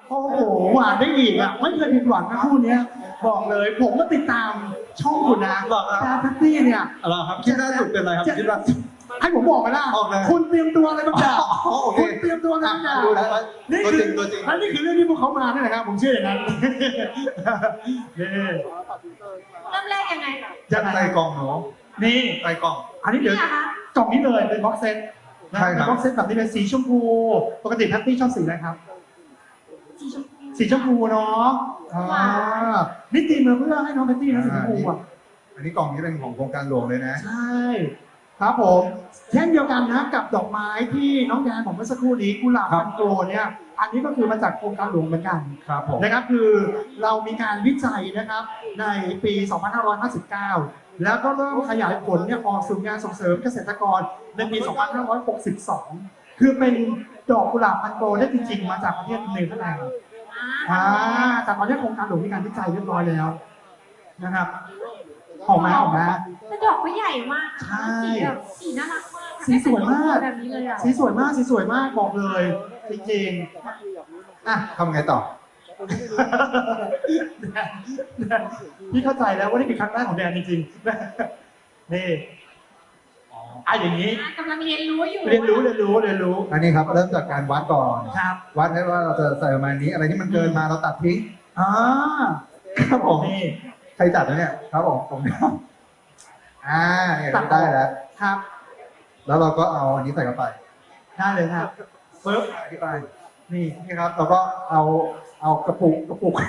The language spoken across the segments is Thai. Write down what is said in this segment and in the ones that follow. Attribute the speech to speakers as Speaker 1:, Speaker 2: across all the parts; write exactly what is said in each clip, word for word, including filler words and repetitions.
Speaker 1: โอ้โหหวานได้อีกอ่ะไม่เคยผิดหวังนะคู่เนี้ยบอกเลยผมก็ติดตามช่องคุณนะ
Speaker 2: บอกครับ
Speaker 1: แจ๊สแพตตี้เนี่ย
Speaker 2: อะไรครับคิดล่าสุดเป็นอะไรครับคิดล่าสุด
Speaker 1: ให้ผมบอกไปละ
Speaker 2: โอเค
Speaker 1: คุณเตรียมตัวอะไรบางอย่าง
Speaker 2: อ๋อโอเค
Speaker 1: คุณเตรียมตัวอะไรบางอย่าง
Speaker 2: ดูแล้ว
Speaker 1: นี่
Speaker 2: ตัว
Speaker 1: คื
Speaker 2: จริ
Speaker 1: อง
Speaker 2: ตัวจริง
Speaker 1: และนี่คือเรื่องที่พวกเขามาเนี่ยนะครับผมเชื่ออย่างนั้นนี่
Speaker 3: เริ่มแรกยังไง
Speaker 1: ยังไง
Speaker 2: ใส่กล่องหนู
Speaker 1: นี่
Speaker 2: ใส่กล่อง
Speaker 1: อันนี้เดี๋ยว
Speaker 3: นี่เหรอคะ
Speaker 1: กล่องนี้เลยเป็นบ็อกเซตนะ
Speaker 2: ใช่
Speaker 1: เป็
Speaker 2: ครับ
Speaker 1: นบ็อกเซตแบบนี้เป็นสีชมพูปกติแพตตี้ชอบสีอะไรครับ
Speaker 3: สีชมพู
Speaker 1: สีชมพูเนาะอ่านี่ตีมาเพื่อให้น้องแพตตี้นะสีชมพูอ่ะ
Speaker 2: อันนี้กล่องนี้เป็นของโครงการหลวงเลยนะ
Speaker 1: ใช่ ครับผมเช่นเดียวกันนะกับดอกไม้ที่น้องแดนผมเมื่อสักครู่นี้กุหลาบ
Speaker 2: ครับ
Speaker 1: พันโกลเนี่ย อันนี้ก็คือมาจากโครงการหลวงเหมือนกัน
Speaker 2: ครับผม
Speaker 1: นะครับคือเรามีการวิจัยนะครับในปี สองพันห้าร้อยห้าสิบเก้า แล้วก็เริ่มขยายผลเนี่ยออกสู่งานส่งเสริมเกษตรกรในปี สองพันห้าร้อยหกสิบสอง คือเป็นดอกกุหลาบพันโกลได้จริงๆ มาจากประเทศเนเธอร์แลนด์
Speaker 3: อ่า
Speaker 1: อ่าจากประเทศโครงการหลวงมีการวิจัยเรียบร้อยแล้วนะครับออกมาออกมา
Speaker 3: แต่ดอกก็ใหญ่มาก
Speaker 1: ใช่
Speaker 3: สีแบบสีน่ารักมาก
Speaker 1: สีสวยมาก
Speaker 3: แบบนี้เลยอ่ะ
Speaker 1: สีสวยมากสีสวยมากบอกเลยจริงๆอ่ะ
Speaker 2: ทำไงต่อ
Speaker 1: พี่เข้าใจแล้วว่านี่เป็นครั้งแรกของแดนจริงๆนี่อ่ะอย่างนี้
Speaker 3: อ่ะกำลังเรียนรู้อยู่
Speaker 1: เรียนรู้เรียนรู้เรียนรู้
Speaker 2: อันนี้ครับเริ่มจากการวัดก่อน
Speaker 1: ครับ
Speaker 2: วัดให้ว่าเราจะใส่ประมาณนี้อะไรที่มันเกินมาเราตัดทิ้ง
Speaker 1: อ่า
Speaker 2: ครับผม
Speaker 1: นี่
Speaker 2: ใครจัดนะเนี่ยครับผมผมครับอ่าเนี่ยได้แล้ว
Speaker 1: ครับ
Speaker 2: แล้วเราก็เอาอันนี้ใส่เข้าไป
Speaker 1: ได้เลยครับปึ๊บ
Speaker 2: ที่ไปนี่นี่ครับเราก็เอาเอากระปุกกระปุก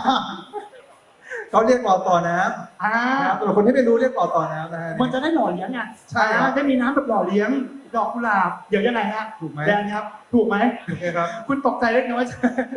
Speaker 2: เขาเรียกหลอดต่อน้
Speaker 1: อ่า
Speaker 2: ำนะครับแต่คนที่ไม่รู้เรียกหลอดต่อน้ำนะฮะ
Speaker 1: มันจะได้หล่อเลี้ยงไง
Speaker 2: ใช่ครับ
Speaker 1: อ่าได้มีน้ำแบบหล่อเลี้ยงดอกกุหลาบเดี๋ยวยังไงฮะ
Speaker 2: ถูกไหม
Speaker 1: แดนครับ ถูกไหม
Speaker 2: โอเคครับ
Speaker 1: คุณตกใจเล็กน้อย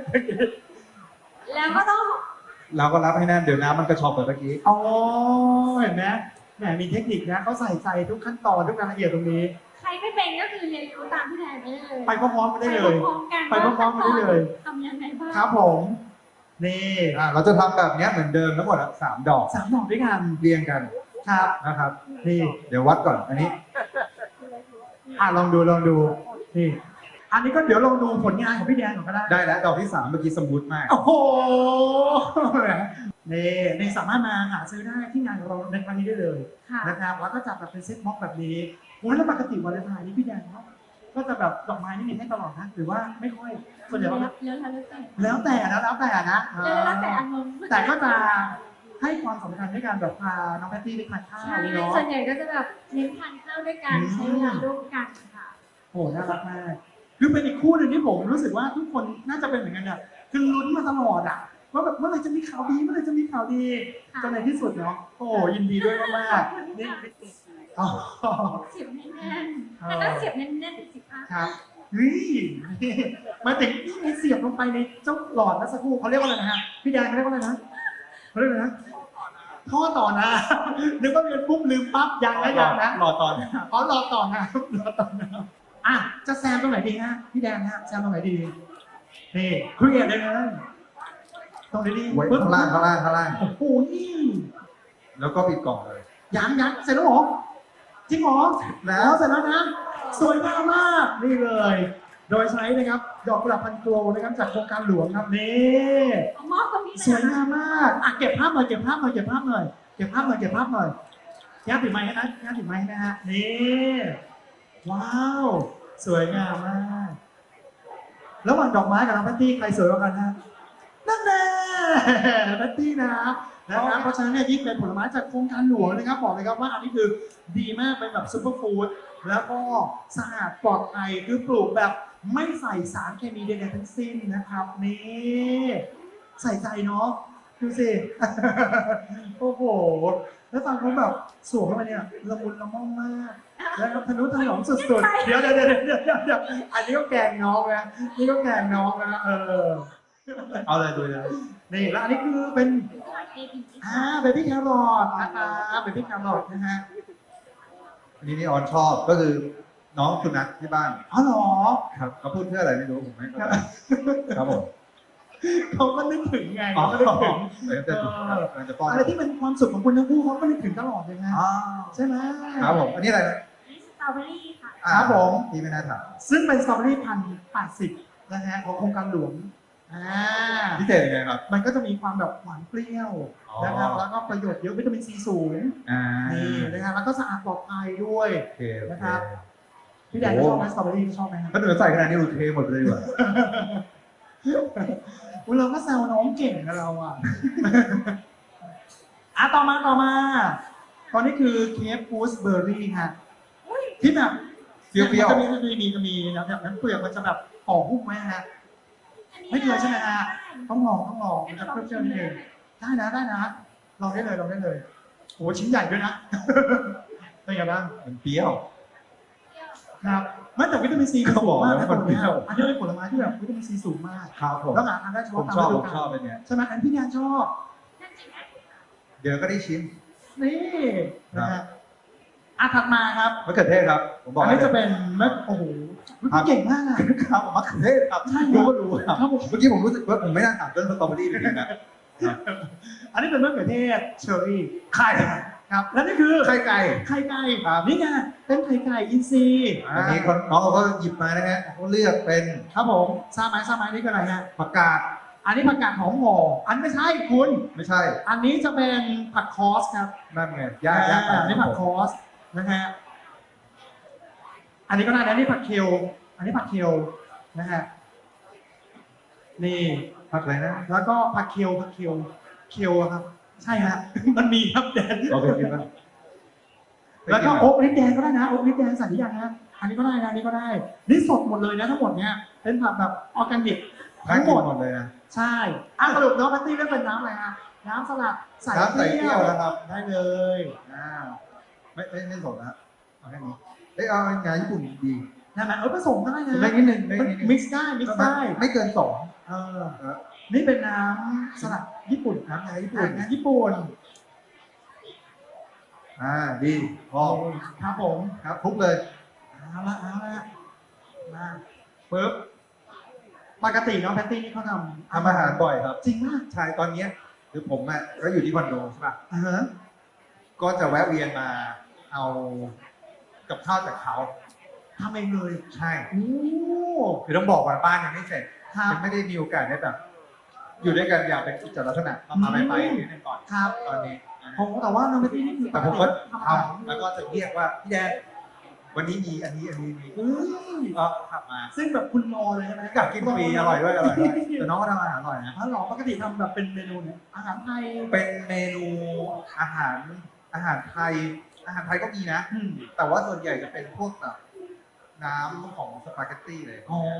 Speaker 3: แล้วก็ต้อง
Speaker 2: เราก็รับให้แน่นเดี๋ยวน้ำมันกระชอบแบบเมื่อกี้
Speaker 1: อ๋อเห็นไหมแหมมีเทคนิคนะเขาใส่ใจทุกขั้นตอนทุกรายละเอียดตรงนี้
Speaker 3: ใครไม่เป็นก็คือเรียนรู้ตามพี่แทนไปได้เลย
Speaker 1: ไปพร้อมๆกันได้เลย
Speaker 3: ไปพร้อมๆกัน
Speaker 1: ไปพร้อมๆกันได้เลย
Speaker 3: ทำยังไงบ้าง
Speaker 1: ครับผม นี่
Speaker 2: อ่าเราจะทำแบบเนี้ยเหมือนเดิมทั้งหมดอะสามดอก
Speaker 1: สามดอกด้วยกัน
Speaker 2: เรียงกัน
Speaker 1: ครับ
Speaker 2: นะครับ
Speaker 1: นี่
Speaker 2: เดี๋ยววัดก่อนอันนี้
Speaker 1: อ่ะลองดูลองดูนี่ อันนี้ก็เดี๋ยวลองดูผลงานของพี่แดนก่อนก็ได้
Speaker 2: ได้แล้วดอกที่สามเมื่อกี้สมูทมาก
Speaker 1: โอ้โหนี่นี่สามารถมาหาซื้อได้ที่งานของเราในครั้งนี้ได้เลย
Speaker 3: ค่ะ
Speaker 1: นะครับแล้วก็จัดแบบเป็นเซ็ตบ็อกซ์แบบนี้โอ้ยแล้วปกติวันเลนไทน์นี่พี่แดนเนาะก็จะแบบดอกไม้นี่มีให้ตลอดนะหรือว่าไม่ค่อยส่วนใหญ่ว่า
Speaker 3: แล้วแล้วแต่
Speaker 1: แล้วแต่นะแล้วแต่นะ
Speaker 3: แล้วแล้วแต่อารมณ์
Speaker 1: แต่ก็จะให้ความสำคัญในการแบบพาน้องแพตตี้ไปทานข้าว
Speaker 3: ใช่
Speaker 1: นี่เนาะ
Speaker 3: ส่วนใหญ่ก็จะแบบเน้นทานข้าวด้วยกัน
Speaker 1: อืม
Speaker 3: ใช้เวลาร่วมกันค่ะ
Speaker 1: โอ้น่ารักมากคือเป็นอีกคู่หนึ่งที่ผมรู้สึกว่าทุกคนน่าจะเป็นเหมือนกันเนี่ยคือลุ้นมาตลอดอ่ะว่าแบบเมื่อไหร่จะมีข่าวดีเมื่อไหร่จะมีข่าวดี
Speaker 3: ค่ะ
Speaker 1: จนในที่สุดเนาะโอ้ยินดีด้วยมากๆนี่อ๋อ
Speaker 3: เสียบแน่นๆแต่ต้องเสียบแน่นๆสิคะ
Speaker 1: ครับเฮ้ยมาถึงนี่มีเสียบลงไปในเจ้าหลอดนะสักครู่เขาเรียกว่าอะไรนะฮะพี่แดงเขาเรียกว่าอะไรนะเขาเรียกว่าอะไรนะท่อต่อนะนึกว่าเรียนปุ๊บลืมปั๊บยังนะยังนะ
Speaker 2: รอตอน
Speaker 1: อ๋อรอต่อนะรอต่อนะอ่ะจะแซมตรงไหนดีฮะพี่แดงฮะแซมตรงไหนดีนี่เครียดเลยนะตรงไหนดี
Speaker 2: ไว้ข้างล่างข้างล่างข้างล่าง
Speaker 1: โอ้โหนี่
Speaker 2: แล้วก็ปิดกล่องเลย
Speaker 1: ยังยังเสร็จแล้วเหรอจริงเหรอแล้วเสร็จแล้วนะสวยงามมากนี่เลย โดยใช้นะครับดอกกุหลาบพันโกลนะครับจากโครงการหลวงครับนี่
Speaker 3: เอามอบตรงนี้
Speaker 1: สวยงามมากอ่ะเก็บภาพหน่อยเก็บภาพหน่อยเก็บภาพหน่อยเก็บภาพหน่อยเก็บภาพหน่อยย่าถือไม้ให้นะย่าถือไม้ให้นะฮะนี่ว้าวสวยงามมากระหว่างดอกไม้กับน้องแพตตี้ใครสวยกว่ากันฮะนั่นแน่แพตตี้นะนะครับเพราะฉะนั้นเนี่ยยิ่งเป็นผลไม้จากโครงการหลวงนะครับบอกเลยครับว่าอันนี้คือดีมากเป็นแบบซูเปอร์ฟู้ดแล้วก็สะอาดปลอดภัยคือปลูกแบบไม่ใส่สารเคมีใดๆทั้งสิ้นนะครับนี่ใส่ใจเนาะดูสิ โอ้โหแล้วฟังเขาแบบสวมเข้ามาเนี่ยละมุนละม่อมมากแล้วก็ทะนุถนอมสุดๆเดี๋ยวเดี๋ยวเดี๋ยวเดี๋ยวเดี๋ยวเดี๋ยวอันนี้ก็แกล้งน้องนะนี่ก็แกล้งน้องนะเออ
Speaker 2: เอาเลยดูเลย
Speaker 1: นี่แล้วอันนี้คือเป็น
Speaker 3: เอพี
Speaker 1: อ่าเบบี้แครอทนะคะเบบี้แครอทนะฮะ
Speaker 2: อันนี้นี่ออนชอบก็คือน้องสุนัขที่บ้าน
Speaker 1: อ๋อเหรอ
Speaker 2: ครับเขาพูดเพื่ออะไรไม่รู้ผมไม่เข้าใจครับผม
Speaker 1: เขาก็นึกถึงไงเขาก็นึกถึง
Speaker 2: เดี๋ยวจะกำลังจะป้อน
Speaker 1: อะไรที่เป็นความสุขของคุณทั้งคู่เขาก็นึกถึงตลอดเลยนะ
Speaker 2: อ๋อ
Speaker 1: ใช่ไหม
Speaker 2: ครับผมอันนี้อะไรนะ
Speaker 3: นี่สตรอเบอรี่ค่ะ
Speaker 2: อ่า
Speaker 1: ครับผม
Speaker 2: พี่ไม่น่าถาม
Speaker 1: ซึ่งเป็นสตรอเบอรี่พันแปดสิบนะฮะของโครงการหลวงอ่า
Speaker 2: พิเศษยังไงครับ
Speaker 1: มันก็จะมีความแบบหวานเปรี้ยว
Speaker 2: อ๋อ
Speaker 1: นะครับแล้วก็ประโยชน์เยอะวิตามินซีสูง
Speaker 2: อ่า
Speaker 1: นี่นะครับแล้วก็สะอาดปลอดภัยด้วย
Speaker 2: โอเคโอเค
Speaker 1: นะครับ พี่แดนชอบไหมสตรอเบอรี่ชอบไหมครับ
Speaker 2: ถ้าเหนือใส่ขนาดนี้ดูเทหมดเลยดีกว่า
Speaker 1: อุ๊ยเราก็แซวน้องเก่งนะเราอ่ะ อ่ะต่อมาต่อมา ตอนนี้คือเค้กฟูสเบอร์รี่ฮะที่แบบ
Speaker 2: เปรี้ยวๆ
Speaker 1: จะมีจะมีจะมีนะแบบนั้นเปลือกมันจะแบบห่อหุ้มไหมฮะ ไม่เคยใช่ไหมฮะ ต้องลองต้องลองมันจะเปรี้ยวๆนิดนึงได้นะได้นะลองได้เลยลองได้เลยโอ้ชิ้นใหญ่ด้วยนะ เป็นไงบ้าง
Speaker 2: มันเปรี้ยว
Speaker 1: ครับไม่แต่วิตามินซี
Speaker 2: เขาบอก
Speaker 1: มาก
Speaker 2: แล้ว
Speaker 1: นะ
Speaker 2: มัน
Speaker 1: ตัวเนี้ย
Speaker 2: เปรี้ยว
Speaker 1: อันนี้เป็นผลไม้ที่แบบวิตามินซีสูงมาก
Speaker 2: ครับผม
Speaker 1: แล้วหาทานได้เฉ
Speaker 2: ผ
Speaker 1: พาะ
Speaker 2: ม
Speaker 1: ตาม
Speaker 2: ชอบ
Speaker 1: ฤ
Speaker 2: ผ
Speaker 1: ดู
Speaker 2: ม
Speaker 1: กา
Speaker 2: ชอบ
Speaker 1: ล
Speaker 2: เป็นเนี้ย
Speaker 1: ใช่ไหมอันพี่แดนชอบ
Speaker 2: เดี๋ยวก็ได้ชิม
Speaker 1: นี่นะฮะอ่ะถัดมาครับ
Speaker 2: มะเขือเทศครับ ผมบอก
Speaker 1: อัน
Speaker 2: ให้
Speaker 1: นี้จะเป็นมะโอ้โหพี่เก่งมากอะ
Speaker 2: ครับมะเขือเทศครับ
Speaker 1: ใช่
Speaker 2: รู้ก็รู้ครับ
Speaker 1: ครับผม
Speaker 2: เมื่อกี้ผมรู้สึกว่าผมไม่น่าถามเรื่องสตรอเบอรี่จริงๆนะ
Speaker 1: อันนี้เป็นมะเขือเทศเชอร์รี่ไข่ครับและนี่คือ
Speaker 2: ไข่ไก่
Speaker 1: ไข่ไก่
Speaker 2: ครับ
Speaker 1: นี่ไงเป็นไข่ไก่อินทรีย์
Speaker 2: อันนี้คนน้องเขาก็หยิบมานะฮะเขาเลือกเป็น
Speaker 1: ครับผมทราบไหมทราบไหมนี่คืออะไรฮะ
Speaker 2: ผักกาด
Speaker 1: อันนี้ผักกาดหอมห่ออันไม่ใช่คุณ
Speaker 2: ไม่ใช่
Speaker 1: อันนี้จะเป็นผักคอสครับ
Speaker 2: นั่นไงย่างย่างไป
Speaker 1: อ่อันนี้ผักคอสนะฮะอันนี้ก็ได้นะนี่ผักเคลอันนี้ผักเคลนะฮะนี่
Speaker 2: ผักอะไรนะ
Speaker 1: แล้วก็ผักเคลผักเคลเคลอะครับ ใช่ฮะ มันมีครับแดน
Speaker 2: โอเคกินไหม
Speaker 1: แล้วก็โอ๊กลิปแดงก็ได้นะโอ๊กลิปแดงใส่หรือยังฮะอันนี้ก็ได้นะอันนี้ก็ได้นี่สดหมดเลยนะทั้งหมดเนี้ยเป็นผักแบบออร์แกนิก
Speaker 2: น่า
Speaker 1: ทั้งห
Speaker 2: กิ
Speaker 1: ม
Speaker 2: น
Speaker 1: ด
Speaker 2: หมดเลยนะ
Speaker 1: ใช่อ่ะสรุปน้องแพตตี้เลือกเป็นน้ำอะไรฮะน้ำสลัดใส่
Speaker 2: น้ำใส่เปรี้ยวนะครับ
Speaker 1: ได้เลย
Speaker 2: อ่าไม่ไม่ไม่สดนะเอาแค่นี้เอ้ยเอางานญี่ปุ่นดี
Speaker 1: ได้ไหมเออผสมก็ได้นะ
Speaker 2: ได้นิดนึงได้นิดนึง
Speaker 1: มิกซ์ได้มิกซ์ได้
Speaker 2: ไม่เกินสอง
Speaker 1: เออ
Speaker 2: เออ
Speaker 1: นี่เป็นน้ำสลัดญี่ปุ่น
Speaker 2: น้ำงานญี่
Speaker 1: อ่า
Speaker 2: ปุ่น
Speaker 1: น้ำญี่ปุ่น
Speaker 2: อ่าดีพอ
Speaker 1: ครับผม
Speaker 2: ครับคลุกเลย
Speaker 1: เอาละเอาละมาปึ๊บปกติน้องแพตตี้นี่เขาทำ
Speaker 2: ทำอาหารบ่อยครับ
Speaker 1: จริงมาก
Speaker 2: ใช่ตอนเนี้ยคือผมอ่ะก็อยู่ที่คอนโดใช่ป่ะ
Speaker 1: อ่าฮะ
Speaker 2: ก็จะแวะเวียนมาเอากับข้าวจากเขา
Speaker 1: ทำเองเลย
Speaker 2: ใช่
Speaker 1: โอ้
Speaker 2: คือต้องบอกว่าบ้านยังไม่เสร็จ
Speaker 1: ครับ
Speaker 2: ยังไม่ได้มีโอกาสได้แบบ อยู่ด้วยกันอย่างเป็นกิจลักษณะก็พาไปไปนิดนึงก่อน
Speaker 1: ครับ
Speaker 2: ตอนนี้นะฮะ
Speaker 1: ผมแต่ว่าน้องแพตตี้นี่คือ
Speaker 2: แต่ผมก็
Speaker 1: ทำอาหาร
Speaker 2: ทำแล้วก็จะเรียกว่าพี่แดนวันนี้มีอันนี้อันนี้มี
Speaker 1: อืม
Speaker 2: ก็ทำมา
Speaker 1: ซึ่งแบบคุณรอเลยใช่ไหม
Speaker 2: อยากกินฟรีอร่อยด้วยอร่อยด้วยแต่น้องก็ทำอาหารอร่อยนะ
Speaker 1: อ๋อเหรอปกติทำแบบเป็นเมนูเนี่ยอาหารไทย
Speaker 2: เป็นเมนูอาหารอาหารไทย อาหารไทยก็มีนะ
Speaker 1: อืม
Speaker 2: แต่ว่าส่วนใหญ่จะเป็นพวกแบบน้ำของสปาเกตตี้เลย
Speaker 1: อ๋อ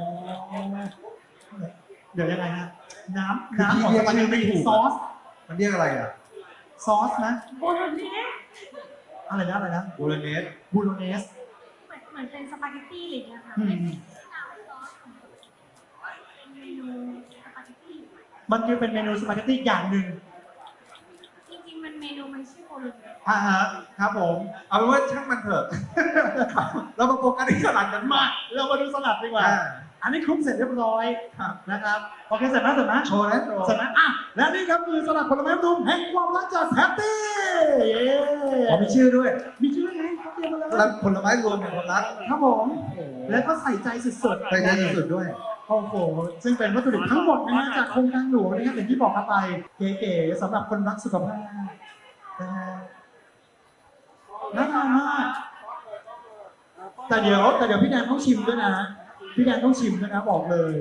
Speaker 1: เดี๋ยวยังไงฮะน้ำ
Speaker 2: คือ
Speaker 1: น้ำของ
Speaker 2: เรียก
Speaker 1: มัน
Speaker 2: ชื่อไม่
Speaker 1: เป็น
Speaker 2: ถูก
Speaker 1: ซอส
Speaker 2: มันเรียกอะไรอ่ะ
Speaker 1: ซอสนะ
Speaker 3: โบโลเนส
Speaker 1: อะไรนะอะไรนะ
Speaker 2: บูรเนส
Speaker 1: บูโรเนส
Speaker 3: เหมือนเหมือนเป็นสปาเกตตี้อะไรอย่างเงี้ยค่ะ
Speaker 1: อืม
Speaker 3: เป็นน้ำซอสของเป็นเมนูสปาเกตตี้
Speaker 1: มันคือเป็นเมนูสปาเกตตี้อย่างหนึ่ง
Speaker 3: จริงๆมันเมนูมันชื่อโบโลเนส
Speaker 1: อ่าฮะครับผม
Speaker 2: เอาเป็นว่าช่างมันเถอะ เรามาโฟกัสที่สลัดกัน
Speaker 1: มาเรามาดูสลัดดีกว่า
Speaker 2: อ่า
Speaker 1: อันนี้คลุกเสร็จเรียบร้อย
Speaker 2: ครับ
Speaker 1: นะครับโอเคเสร็จไหมเสร็จไหม
Speaker 2: โชว์นะโชว์
Speaker 1: เสร็จไหมอ่ะและนี่ครับคือสลัดผลไม้ดุมแห่งความรักจากแพตตี้เย้
Speaker 2: อ๋อมีชื่อด้วย
Speaker 1: มีชื่อไงเขาเตรียมมาแล้ว
Speaker 2: สลัดผลไม้รวมแห่งความรัก
Speaker 1: ครับผม แล้วก็ใส่ใจสุดๆ
Speaker 2: ใส่ใจสุดๆด้วย
Speaker 1: โอ้โห ซึ่งเป็นวัตถุดิบทั้งหมดนะฮะจากโครงการหลวงนะครับอย่างที่บอกกันไป เก๋ๆสำหรับคนรักสุขภาพนะฮะน่าทานมาก แต่เดี๋ยวแต่เดี๋ยวพี่แดนต้องชิมด้วยนะ พี่แดนต้องชิมด้วยนะบอกเลย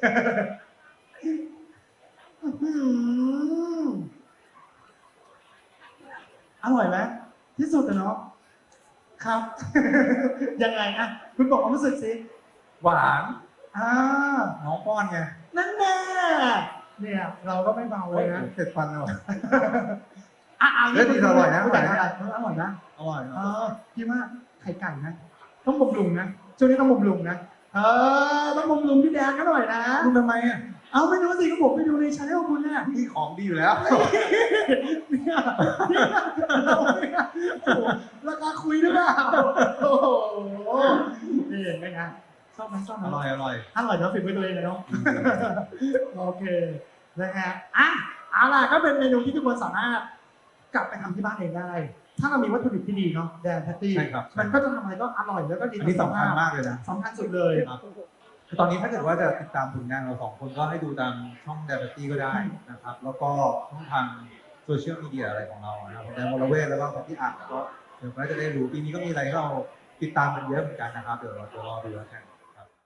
Speaker 1: อื้อหืออร่อยไหมที่สุดอะเนาะครับ ยังไงอะคุณบอกความรู้สึกสิ
Speaker 2: หวาน
Speaker 1: อ่า
Speaker 2: น้องป้อนไง
Speaker 1: นั่นแน่เนี่ยเราก็ไม่เบาเลยนะ
Speaker 2: เผ็ดฟันเลย
Speaker 1: อ่ะเอา
Speaker 2: เฮ้ยดีอร่อยนะ
Speaker 1: อร่อยนะอร่อยนะ
Speaker 2: อร่อย
Speaker 1: เออพี่ว่าไข่ไก่นะ ต้องบำรุงนะช่วงนี้ต้องบำรุงนะ เออต้องบำรุงพี่แดงก็หน่อยนะ
Speaker 2: คุณทำไมอ่ะ
Speaker 1: เอาไม่รู้สิก็ผมไปดูในชาแนลคุณเนี่ย
Speaker 2: พี่ของดีอยู่แล้ว
Speaker 1: เนี่ยเราเนี่ยโอ้โหราคาคุยหรือเปล่าโอ้โหนี่เห็นไหมฮะชอบไหมชอบไหม
Speaker 2: อร่อยอร่อย
Speaker 1: อร่อยเนาะฝีมือตัวเองเลยเนาะ โอเคนะฮะอ่ะเอาล่ะก็เป็นเมนูที่ทุกคนสามารถกลับไปทำที่บ้านเองได้ ถ้าเรามีวัตถุดิบที่ดีเนาะแดนแพตตี้
Speaker 2: ใช่ครับ
Speaker 1: มันก็จะทำอะไรก็อร่อยแล้วก็ดี
Speaker 2: อันนี้สำคัญมากเลยนะ
Speaker 1: สำคัญสุดเลย
Speaker 2: ครับคือตอนนี้ถ้าเกิดว่าจะติดตามผลงานเราสองคนก็ให้ดูตามช่องเดลิตี้ก็ได้นะครับ แล้วก็ช่องทางโซเชียลมีเดียอะไรของเรานะครับผมแดนวรเวทแล้วก็ของพี่อัดก็เดี๋ยวก็จะได้รู้ปีนี้ก็มีอะไรให้เราติดตามกันเยอะเหมือนกันนะครับเดี๋ยวเราจะรอดูแล้วกัน